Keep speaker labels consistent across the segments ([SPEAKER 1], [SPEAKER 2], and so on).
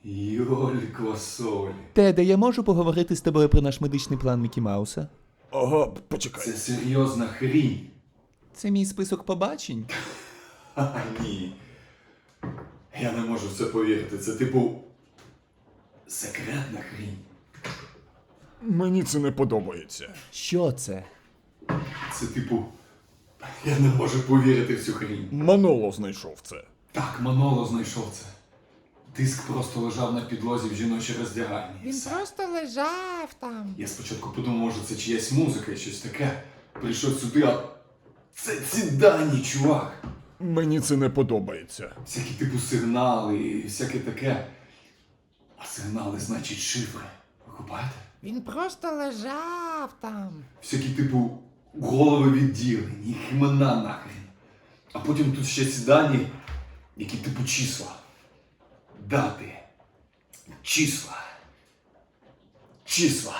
[SPEAKER 1] Йоль квасолі.
[SPEAKER 2] Теде, я можу поговорити з тобою про наш медичний план Мікі Мауса?
[SPEAKER 3] Ага, почекай.
[SPEAKER 1] Це серйозна хрінь.
[SPEAKER 2] Це мій список побачень.
[SPEAKER 1] А, ні. Я не можу в це повірити. Це типу секретна хрінь.
[SPEAKER 3] Мені це не подобається.
[SPEAKER 2] Що це?
[SPEAKER 1] Це типу. Я не можу повірити в цю хрінь.
[SPEAKER 3] Маноло знайшов це.
[SPEAKER 1] Так, Маноло знайшов це. Диск просто лежав на підлозі в жіночій роздягальні.
[SPEAKER 4] Він просто лежав там.
[SPEAKER 1] Я спочатку подумав, може це чиясь музика і щось таке. Прийшов сюди, а це ці дані, чувак.
[SPEAKER 3] Мені це не подобається.
[SPEAKER 1] Всякі типу сигнали і всяке таке. А сигнали значить шифри. Ви купаєте?
[SPEAKER 4] Він просто лежав там.
[SPEAKER 1] Всякі типу голови відділень, їх імена нахрен. А потім тут ще ці дані, які типу числа. Дати. Числа. Числа.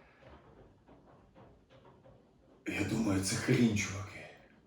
[SPEAKER 1] Я думаю, це хрінь, чуваки.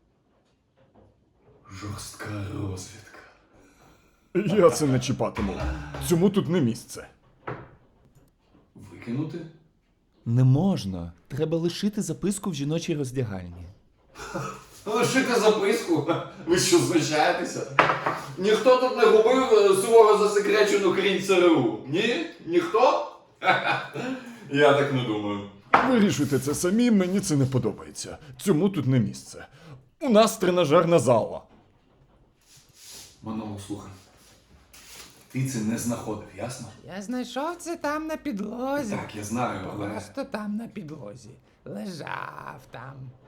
[SPEAKER 1] Жорстка розвідка.
[SPEAKER 3] Я це не чіпатиму. Цьому тут не місце.
[SPEAKER 1] Викинути?
[SPEAKER 2] Не можна. Треба лишити записку в жіночій роздягальні.
[SPEAKER 1] Лишити записку? Ви що, знущаєтеся? Ніхто тут не губив суворо засекречену хрінь ЦРУ? Ні? Ніхто? Я так не думаю.
[SPEAKER 3] Вирішуйте це самі, мені це не подобається. Цьому тут не місце. У нас тренажерна зала.
[SPEAKER 1] Маноло, слухай. Ти це не знаходив, ясно?
[SPEAKER 4] Я знайшов це там на підлозі.
[SPEAKER 1] Так, я знаю, але...
[SPEAKER 4] Просто там на підлозі. Лежав там.